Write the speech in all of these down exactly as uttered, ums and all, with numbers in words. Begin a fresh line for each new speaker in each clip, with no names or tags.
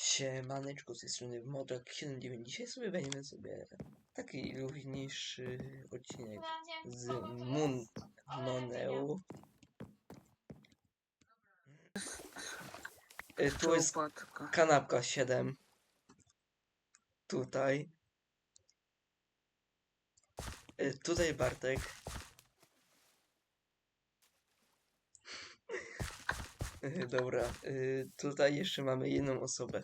Siemaneczko, z tej strony Modrak siedem dziewięć. Dzisiaj sobie będziemy sobie taki luźniejszy odcinek z Mun Moneu. Y, Tu jest kanapka siedem. Tutaj. Y, Tutaj Bartek. Y, Dobra, y, tutaj jeszcze mamy jedną osobę,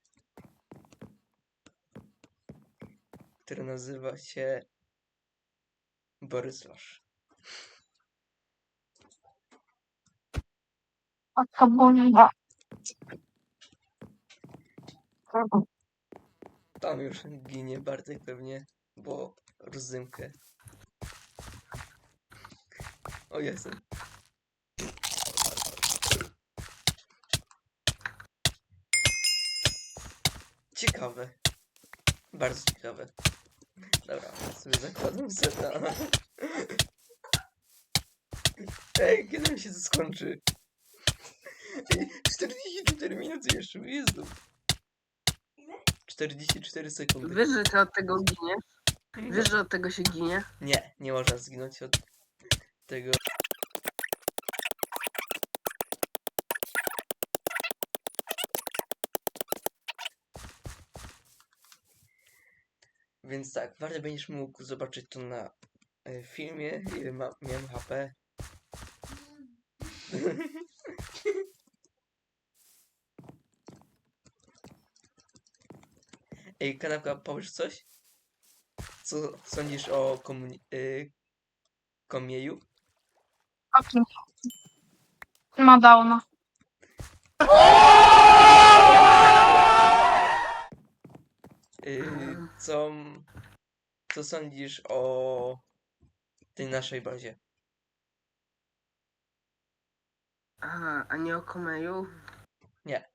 która nazywa się Borysław.
Taka bomba.
Tam już ginie Bartek pewnie, bo rozdymkę. O, jestem. Ciekawe. Bardzo ciekawe. Dobra, sobie zakładam seta. Ej, kiedy mi się to skończy? Ej, czterdzieści cztery minuty jeszcze, Jezu. czterdzieści cztery sekundy.
Wiesz, że ty od tego giniesz? Wiesz, że od tego się ginie?
Nie, nie można zginąć od tego. Więc tak, warto będziesz mógł zobaczyć to na e, filmie, ile ma, miałem H P. Ej, kanapka, powiesz coś? Co sądzisz o komuni- y- komieju?
O kim? Ma downa.
Y, co, co sądzisz o tej naszej bazie?
Aha, a nie o Komeju?
Nie.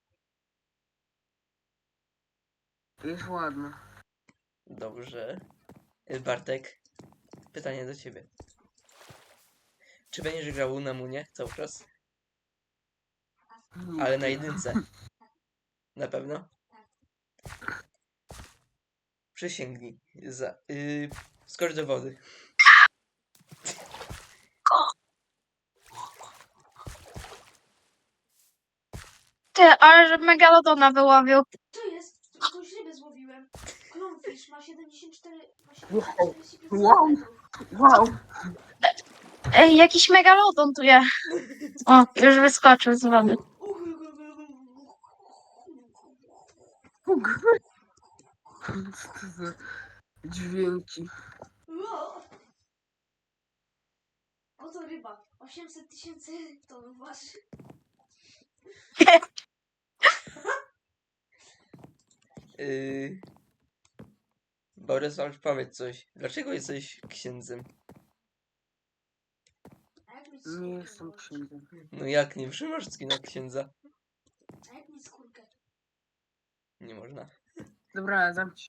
Jest ładna.
Dobrze. Y, Bartek, pytanie do ciebie. Czy będziesz grał na Munie cały czas? Ale na jedynce. Na pewno? Przysięgnij. Za, y, skocz do wody.
Ty, ale że Megalodona wyłowił.
Co jest? Jakąś rybę złowiłem. Clownfish ma siedemdziesiąt cztery... Ma
Wow.
siedemdziesiąt cztery
Wow.
centymetrów.
Wow!
Ej, jakiś Megalodon tu jest. O, już wyskoczył z wody.
Puk. Co to za dźwięki?
Wow. Oto ryba. osiemset tysięcy ton waży.
Y, Borysław, powiedz coś. Dlaczego jesteś księdzem?
A jak mieć
Nie
skórkę?
jestem księdzem.
No jak nie trzymasz na księdza?
A jak mieć skórkę?
Nie można.
Dobra, zamknij.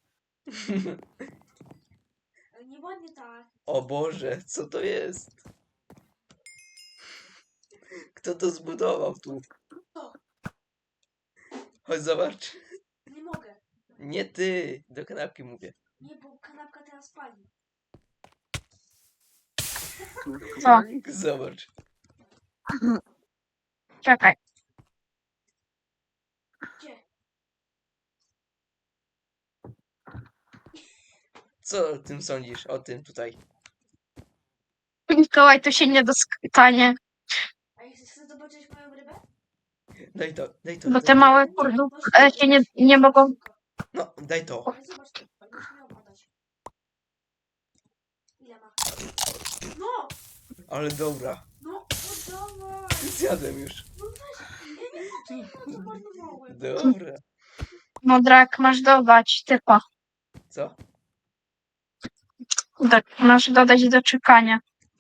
Ale nieładnie tak.
O Boże, co to jest? Kto to zbudował tu? Chodź zobacz.
Nie mogę.
Nie ty, do kanapki mówię.
Nie, bo kanapka teraz pali.
Co?
Zobacz.
Czekaj.
Gdzie?
Co o tym sądzisz? O tym tutaj.
Mikołaj to się nie dostanie.
A jak chcesz zobaczyć moją rybę?
Daj to, daj to.
Bo
Daj
te
to.
małe kurdów e, się nie, nie mogą...
No, daj to.
Ale zobacz, będziesz miał podać. Ile ma? No!
Ale dobra.
No, oddawaj!
Zjadłem już.
No weź, ja nie poczekaj, zamarnowałem.
Dobra.
Modrak, masz dodać typa.
Co?
Tak, masz dodać do czekania.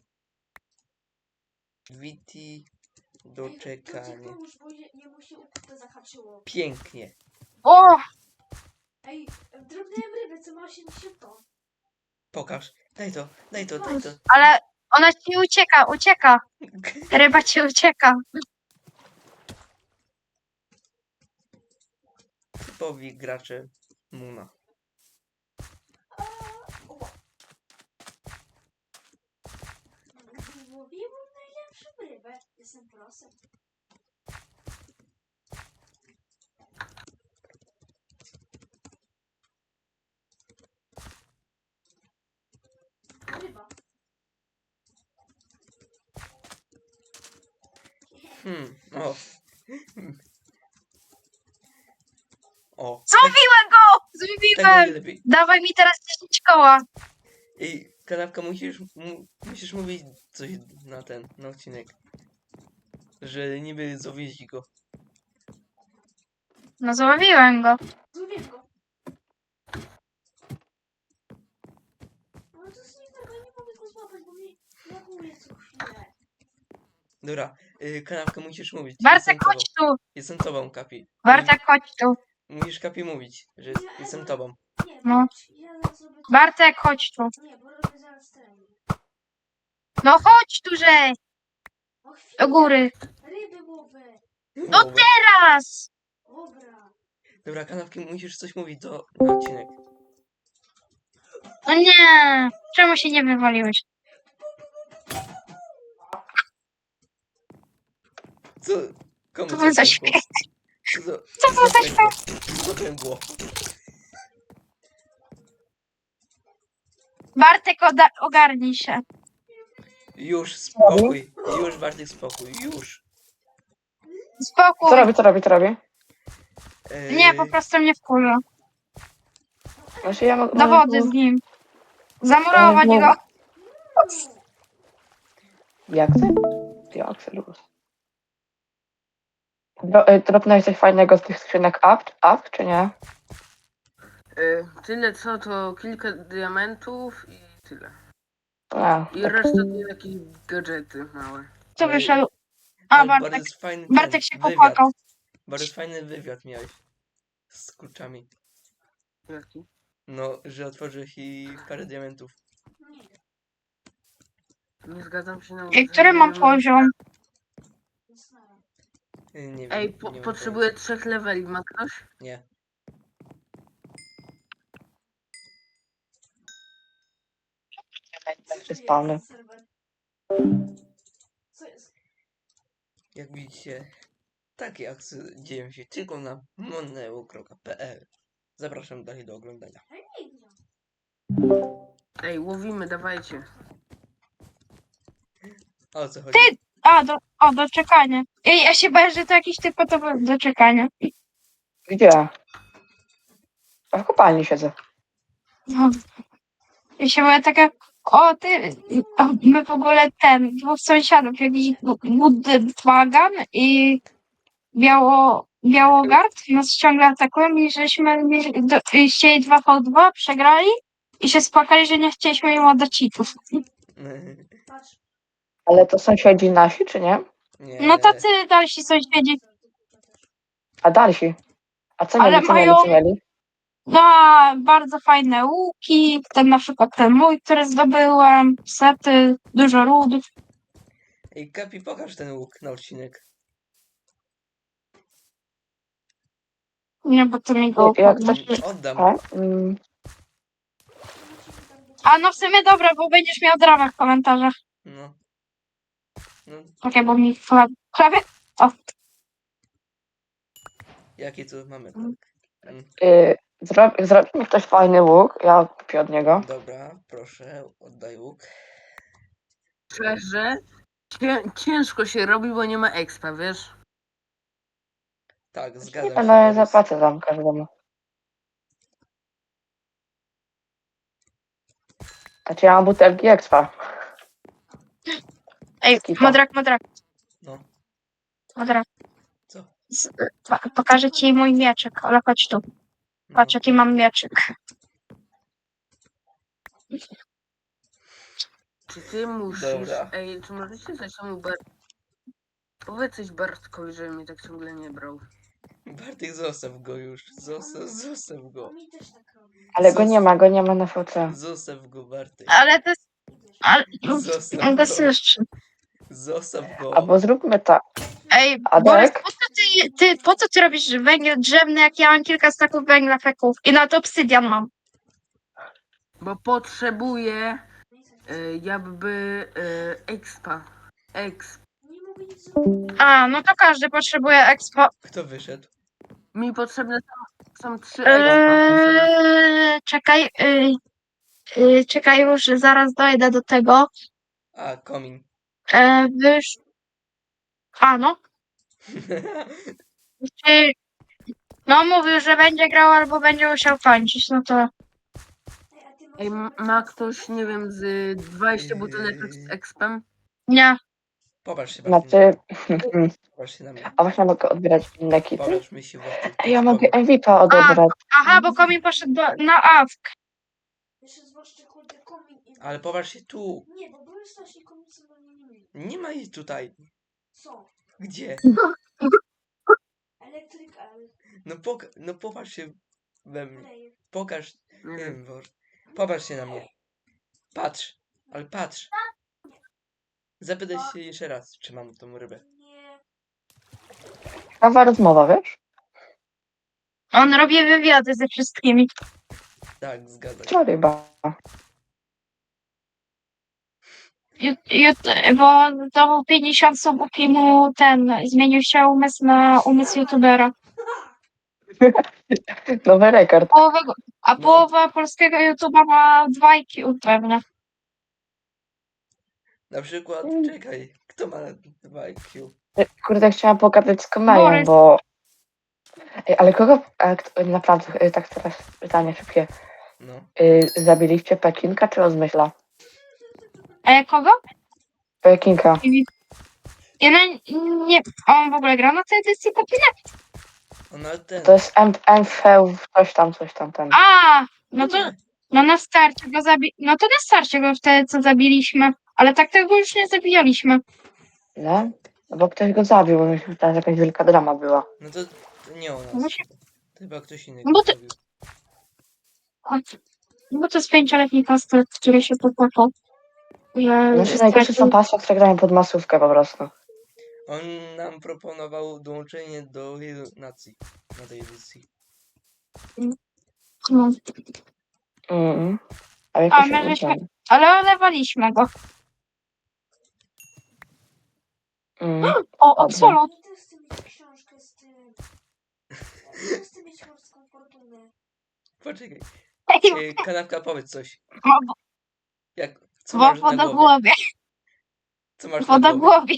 Witi
Ej, to ci
doczekanie.
pomóż, bo je- jemu się ukute zahaczyło.
Pięknie.
O!
Ej, drobnęłem rybę, co ma osiemdziesiąt ton.
Pokaż. Daj to, daj to, daj to.
Ale ona ci ucieka, ucieka. Ryba ci ucieka.
typowi gracze Muna.
Oła. Złowiłem najlepszą rybę. Jestem prosem. Ryba.
Hmm, o. O, tak,
Złowiłem go!
tak
Złowiłem!
będzie lepiej.
Dawaj mi teraz dziesięć koła.
Ej, kanapka, musisz, mu, musisz mówić coś na ten, na odcinek. Że niby zawieźli go.
No złowiłem go.
Złowiłem go. Ale to jest nie tak, ja nie mogę go złapać, bo mi laguje co chwilę.
Dobra, y, kanapka, musisz mówić.
Bartek,
Jestem tobą.
chodź tu.
Jestem tobą, Kapi.
Bartek, chodź tu.
Musisz, Kapi, mówić, że jest, jestem tobą.
Nie,
No.
no. Ja zaraz zrobię to.
Bartek, chodź tu.
Nie, bo robię zaraz trening.
No chodź tu, że
O chwilę.
do góry.
Ryby łowy.
No
Dobra.
teraz!
Dobra.
Dobra, kanapki, musisz coś mówić do na odcinek.
No nie. Czemu się nie wywaliłeś?
Co? Komu
Co
to
to za
pękło?
śmiech?
Co to,
Co to za
pękło? Co pękło?
Bartek, oda- ogarnij się.
Już, spokój. Już, Bartek, spokój. Już.
Spokój.
Co robi, co robi, co robi?
Ej,
Nie, po prostu mnie wkurza.
Znaczy ja mogę...
Do wody z nim. Zamurować
Nie, nie.
go.
Jak ty? Jak ty luz? Dro, y, dropnąłeś coś fajnego z tych skrzynek up, up czy nie?
Y, tyle co to kilka diamentów i tyle.
A,
I
tak.
reszta to jakieś gadżety małe.
Co
Ej,
wyszedł? A,
ale
Bartek.
Bardzo fajny ten,
Bartek się
wywiad.
popłakał.
Bardzo fajny wywiad miałeś. Z kurczami.
Jaki?
No, że otworzyłeś i parę diamentów.
Nie.
Nie zgadzam się na
Ej, który mam poziom?
Zasnąłem.
Ej, Nie wiem.
Ej, po,
nie mam
potrzebuję trzech leveli, ma ktoś?
pojęcia. Nie.
Spawny.
Serwer. Co jest?
Jak widzicie, takie akcje dzieją się tylko na moneo kropka p l. Zapraszam dalej do oglądania.
Ja nie gram.
Ej, łowimy, dawajcie.
A o co chodzi?
Ty! A, do, o, doczekanie. Ej, ja się boję, że to jakiś typowe doczekanie.
Gdzie? A w kopalni siedzę.
No. Ja się boję taka, o ty, o, my w ogóle ten, dwóch sąsiadów, jakiś Budwagan i Biało, Białogard nas ciągle atakują i żeśmy mieli- do- i chcieli dwa v dwa, przegrali i się spłakali, że nie chcieliśmy im oddać cheatów.
Patrz.
Ale to sąsiedzi nasi, czy nie?
Nie.
No tacy dalsi sąsiedzi,
A dalsi? A co
Ale
mieli, co mieli,
mają-
co mieli?
no bardzo fajne łuki, ten na przykład ten mój, który zdobyłem, sety, dużo rud.
Ej, Kapi, pokaż ten łuk na odcinek.
Nie, bo to mi go
Jak- jak
ukradł.
coś-
Oddam.
A? Mm,
A no w sumie dobra, bo będziesz miał dramę w komentarzach.
No. No,
Okej, bo mi chleb, chlebie. O,
jakie tu mamy?
Mm.
Tak. Mm,
y, zrobi, zrobi mi ktoś fajny łuk, ja kupię od niego.
Dobra, proszę, oddaj łuk.
Szczerze, cię, ciężko się robi, bo nie ma expa, wiesz?
Tak, zgadzam się.
Ale
Borys.
zapłacę tam każdemu. Znaczy ja mam butelki expa.
ej,
Skipa.
modrak, modrak,
No,
modrak.
co?
Z, po- pokażę ci mój mieczyk, ale chodź tu.
No.
Patrz, jaki mam mieczyk.
Czy ty musisz...
Dobra.
Ej, czy możecie coś temu Bar... Powiedz coś Bartkowi, żeby mnie tak ciągle nie brał.
Bartek, zostaw go już. Zostaw, zostaw go.
On mi też tak robi.
Ale go nie ma, go nie ma na V C.
Zostaw go, Bartek.
Ale to jest...
Idziesz.
Ale,
Zostaw
on
go.
go słyszy.
Zostaw go.
Albo zróbmy tak.
Ej,
Adek?
Borys, po co ty, ty, po co ty robisz węgiel drzewny, jak ja mam kilka staków węgla feków i na to obsydian mam?
Bo potrzebuję y, jakby y, expa. Exp.
Nie mogę nic zrobić.
A, no to każdy potrzebuje expo.
Kto wyszedł?
Mi potrzebne są, są trzy expa. Potrzebne.
Eee, czekaj, yy, yy, czekaj już, zaraz dojdę do tego.
A, komin.
Eee, wysz... A, no. Czy... No, mówił, że będzie grał albo będzie musiał kończyć, no to...
Ej, a ty masz
Ej, m-
nawet-
ma ktoś, nie wiem, z dwudziestu buteleczek z expem?
Nie.
Popatrz się Bartek,
Znaczy,
popatrz się na mnie.
a właśnie mogę odbierać inne kity?
Popatrz mi się Bartek.
Ej, ja mogę M V P odebrać.
Aha, bo komin poszedł do, na awk.
Jeszcze zwłaszcza kurde komin i...
Ale popatrz się tu.
Nie, bo były strasznie komin są do mnie nie mieli.
Nie ma jej tutaj.
Są.
Gdzie?
Elektryk, ale...
No, poka no popatrz się we mnie.
Leje.
Pokaż.
Nie
Nie
wiem.
wiem, Boże. Popatrz się na mnie. Patrz. Ale patrz. Zapytaj się jeszcze raz, czy mam tą rybę.
Nie.
Ciekawa rozmowa, wiesz?
On robi wywiady ze wszystkimi.
Tak, zgadza się.
Co ryba?
Ju, ju, bo to był pięćdziesiąt subów i mu ten, zmienił się umysł na umysł youtubera.
Nowy rekord.
Połowa, a
No.
połowa polskiego youtuba ma dwa I Q pewnie.
Na przykład,
Mm.
czekaj. Kto ma dwa I Q?
Kurde, chciałam pogadać z Komejem,
Borys.
bo... Ej, ale kogo... A, kto, naprawdę, y, tak teraz pytanie szybkie.
No.
Y, zabiliście Pekinka czy Rozmyśla?
A jak kogo?
Pekinka.
Ja na, nie, on w ogóle gra na tej edycji Pepina?
Ona ten.
To jest M V coś tam, coś tam, ten.
A, no to no na starcie go zabi... No to na starcie go wtedy co zabiliśmy. Ale tak tego już nie zabijaliśmy.
Nie? No bo ktoś go zabił, bo myślę, że tam jakaś wielka drama była.
No to, to nie o nas.
No się-
To chyba ktoś inny
Bo
go
ty-
zrobił.
Bo to jest pięcioletni kostet, który się popłakał. że
Znaczy najgorsze
stracił-
są pasy, które grają pod masówkę po prostu.
On nam proponował dołączenie do wielu nacji na tej edycji.
No,
Mm. A
A,
jakoś
my
się
żeśmy-
udało.
ale olewaliśmy go.
Mm.
O,
Dobrze.
absolut.
Ja też chcę mieć książkę z tym. Ja też chcę mieć morską fortunę.
Poczekaj.
Ej,
E, kanapka, powiedz coś.
wo-
Jak, co masz na głowie?
Wodogłowie,
Co masz na głowie?
wodogłowie.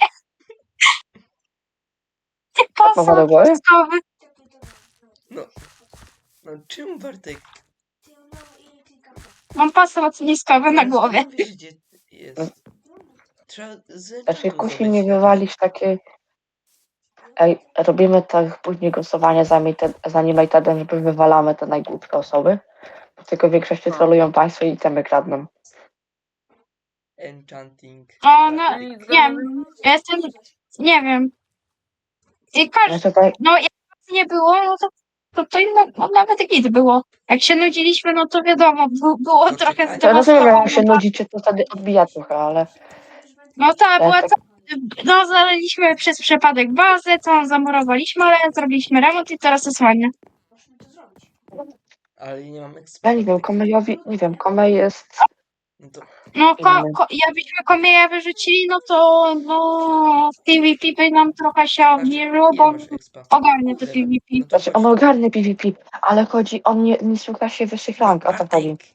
Ma wodogłowie?
Posąg
Tak to dobra.
No. No czemu Bartek?
Ty on ma ile kilka.
Mam pasy lotniskowe na
Ale
głowie.
skąd wiesz, gdzie jest? Trzeba z
Znaczy
enchantu
kusi mnie
zdobyć.
wywalić takie... Ej, robimy tak później głosowanie za Mated- za Animatedem, żeby wywalamy te najgłupsze osoby. Tylko w większości
No.
trolują państwo i temy kradną.
Enchanting.
O, no,
Bartek.
Czyli
nie wiem, ja jestem, nie wiem. I każdy,
Znaczy tak,
no jak nas nie było, no to, to, to inno, no, nawet git było. Jak się nudziliśmy, no to wiadomo, bu- było
No
trochę
czekaj.
to rozumiem, jak się
zdewastowane.
nudzicie, to wtedy odbija trochę, ale...
No tak, była
tak,
ta, no zaleliśmy przez przypadek bazę, całą zamurowaliśmy, ale zrobiliśmy remont i teraz jest ładnie.
Musimy to zrobić.
Ale nie mam eksperta.
ja nie wiem, Komejowi, nie wiem, Komej jest...
No to
No, ko,
Inny.
ko, jakbyśmy komieja wyrzucili, no to no, PvP by nam trochę się
znaczy,
obniżyło,
ile
bo
masz expa?
ogarnie to
Tyle.
PvP.
No to
Znaczy
chodź
on
tu.
ogarnie PvP, ale chodzi, on nie, nie jest w klasie wyższych rank, o to chodzi.
Bartek.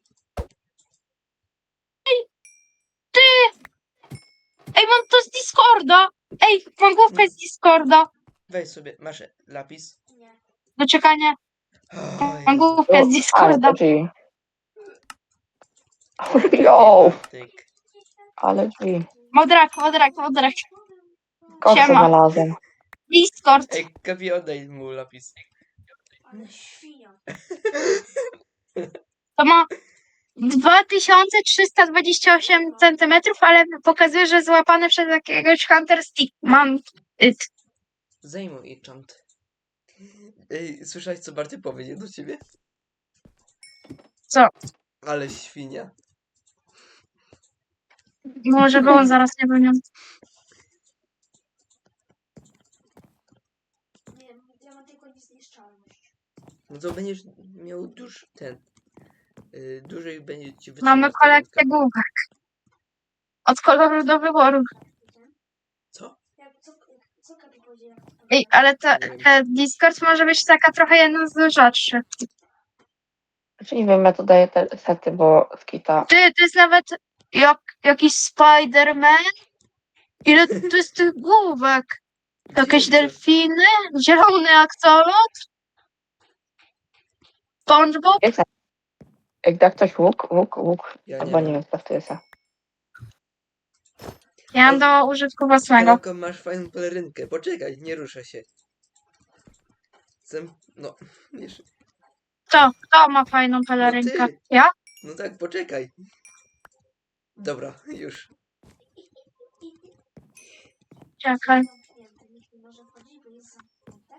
Ej, mam to z Discorda! Ej, mam główkę z Discorda!
Weź sobie, masz lapis?
Nie.
Do czekania,
O,
mam
Jezu.
główkę z
Ale
Discorda.
to G. Jo,
Bartek.
ale G.
Modrak, modrak, modrak.
Kotę
Siema.
znalazłem.
Discord.
Ej, Kapi, oddaj mu lapis.
Ale świnia.
To ma dwa tysiące trzysta dwadzieścia osiem centymetrów, ale pokazuje, że złapane przez jakiegoś Hunter Stick. Mam it.
Zajmuj enchant. Ej, słyszałeś co Bartek powiedział do ciebie?
Co?
Ale świnia.
Może było zaraz nie będę.
niezniszczalność.
No to będziesz miał duż ten. Yy, dłużej będzie ci
Mamy
wytrzymać ta
kolekcję
ręka.
główek. Od koloru do wyboru.
Co?
Jak, co, co Kapi powiedział? Jak to
Ej, ale to,
Nie wiem.
te Discord może być taka trochę jedna z rzadszych.
Znaczy nie wiem, ja tu daję te sety, bo skita.
Ty, to jest nawet jak, jakiś Spider-Man. Ile tu jest tych główek? Jakieś
Gdzie?
delfiny? Zielony aksolot? SpongeBob?
Jest, jak da ktoś łuk, łuk, łuk.
Ja nie
Albo nie
mam.
wiem, co to jest.
Ja mam do użytku własnego.
Kanapka, masz fajną pelerynkę. Poczekaj, nie ruszę się. Zem... No, wiesz.
Kto? Kto ma fajną
No
pelerynkę?
ty.
Ja?
No tak, poczekaj. Dobra, już.
Czekaj.
zamknięte? Nikt nie może wchodzić, bo jest zamknięte.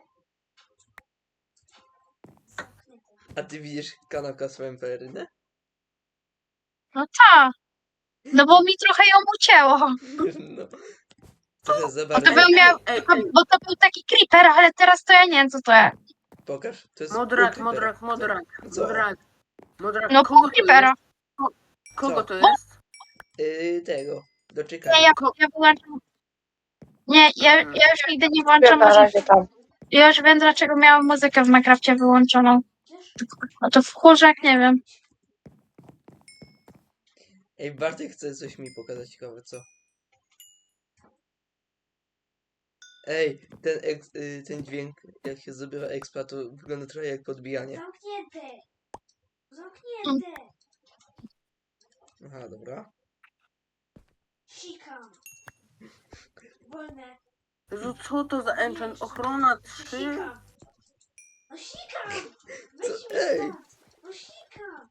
Zamknięte.
A ty widzisz kanapka swoją pelerynę?
No tak. No bo mi trochę ją ucięło.
No. Trochę za
Bo to
bardzo.
był miał,
Ej,
to,
ej,
bo to był taki creeper, ale teraz to ja nie wiem co to jest.
Pokaż. To jest
modrak,
pół
modrak,
creepera.
modrak,
Co? Co?
modrak. Modrak,
No
kogo
pół
to
creepera.
jest? Kogo
Co?
to jest?
Yy, tego.
Nie,
Doczekaj.
ja,
Ko-
ja wyłączam. Nie, ja, ja już nigdy nie włączam
Ja na
muzyki.
razie tam.
Ja już wiem dlaczego miałam muzykę w Minecrafcie wyłączoną. No to wkurzę jak nie wiem.
Ej, Bartek chce coś mi pokazać ciekawe, co? Ej, ten, eks, y, ten dźwięk, jak się zdobywa expa, to wygląda trochę jak podbijanie.
Zamknięte! Zamknięte!
Aha, dobra.
Sikam! Wolne!
Jezu, co to za enchant? Ochrona trzy?
Sikam! No sikam!
Co?
Weź mi
Ej!
stąd! No sikam!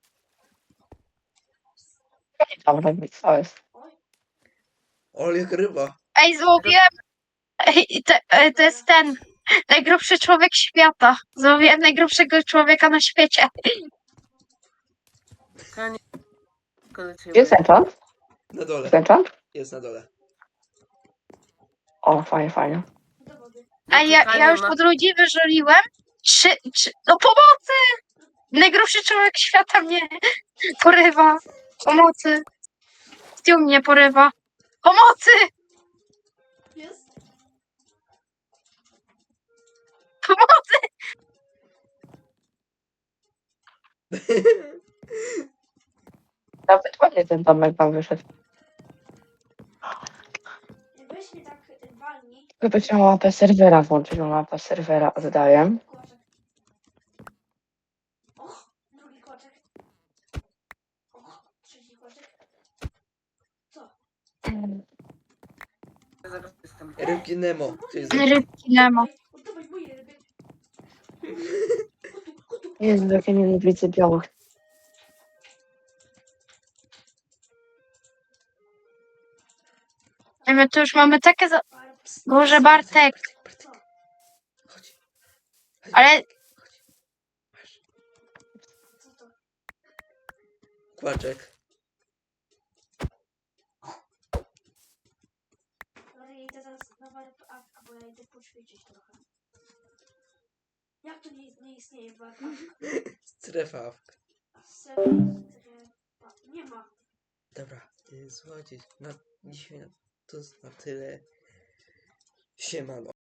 Tam robić, co jest.
O, jak ryba.
Ej, złowiłem. Ej, te, e, to jest ten najgrubszy człowiek świata. Złowiłem najgrubszego człowieka na świecie.
Kanie. Szkoda cię
Jest
będzie.
enchant?
Na dole.
Jest enchant?
Jest na dole.
O, fajnie, fajnie.
Do wody.
A ja,
Kanie
ja już
ma-
od ludzi wyżoliłem. Trzy, trzy, no pomocy! Najgrubszy człowiek świata mnie porywa. Pomocy. Stu mnie porywa. Pomocy!
Jest?
Pomocy!
Nawet ładnie ten domek wam wyszedł.
Weź mnie tak y, walnij.
Chyba chciałam mapę serwera włączyć, bo mapę serwera oddaję.
Kłaczek. Och, drugi kłaczek. Och, trzeci kłaczek. Co?
Zaraz jestem.
Rybki Nemo. To jest...
Rybki Nemo.
Oddawaj moje ryby. Kotu, kotu.
Jezu, jakie nienawidzę białych.
Ej, my tu już mamy takie za...
Barbs.
Boże, Bartek.
Co?
Chodź. Chodź.
Ale
Chodź. Masz.
Co to?
Kłaczek.
Dobra, ja idę teraz na warpawkę, bo ja idę poćwiczyć trochę. Jak to nie, nie istnieje warpawka?
Strefa. awk.
Serio? Nie ma.
Dobra. y, Słuchajcie, na dzisiaj na, to jest na tyle. Siemano.